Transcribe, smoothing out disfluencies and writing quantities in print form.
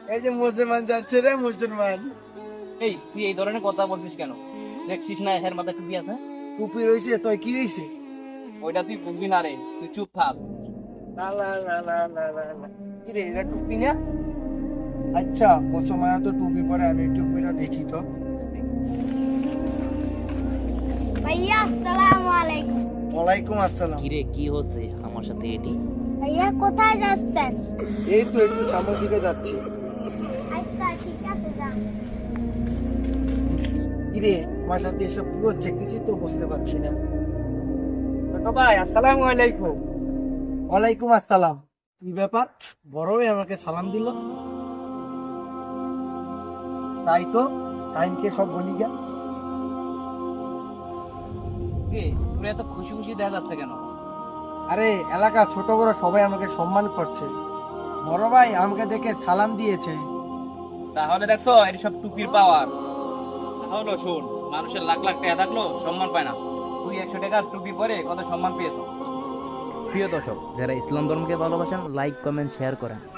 এই যে মুসলমান যাচ্ছে রে মুসলমান। এই তুই এই ধরনের কথা বলছিস কেন? দেখছিস না এর মাথায় টুপি আছে? টুপি রয়েছে তোর কি হয়েছে? ওইটা তুই বুঝবি না রে, তুই চুপ থাক। না না না না না না না। কি রে এটা টুপি না? আচ্ছা মুসলমান তো টুপি পরে, আমি টুপিটা দেখি তো। ভাইয়া আসসালামু আলাইকুম। ওয়ালাইকুম আসসালাম। কিরে কি হচ্ছে আমার সাথে এটি? ভাইয়া কোথায় যাচ্ছেন? এই তো একটু সামনের দিকে যাচ্ছি। আচ্ছা ঠিক আছে যান। কি রে আমার সাথে এসব কি হচ্ছে কিছুই তো বুঝতে পারছি না। ছোট ভাই আসসালামু আলাইকুম। ওয়ালাইকুম আসসালাম। কি ব্যাপার, বড় ভাই আমাকে সালাম দিল? তাই তো, টাইমকে সব বলি গা। কে তুই এত খুশি খুশি দেখা যাচ্ছে কেন? আরে এলাকা ছোট বড় সবাই আমাকে সম্মান করছে। বড় ভাই আমাকে দেখে সালাম দিয়েছে। তাহলে দেখছো এর সব টুপির পাওয়ার। তাহলে শোন, মানুষের লাখ লাখ টাকা থাকলেও সম্মান পায় না, তুই 100 টাকার টুপি পরে কত সম্মান পেয়েছো। প্রিয় দর্শক, যারা ইসলাম ধর্মকে ভালোবাসেন লাইক কমেন্ট শেয়ার করেন।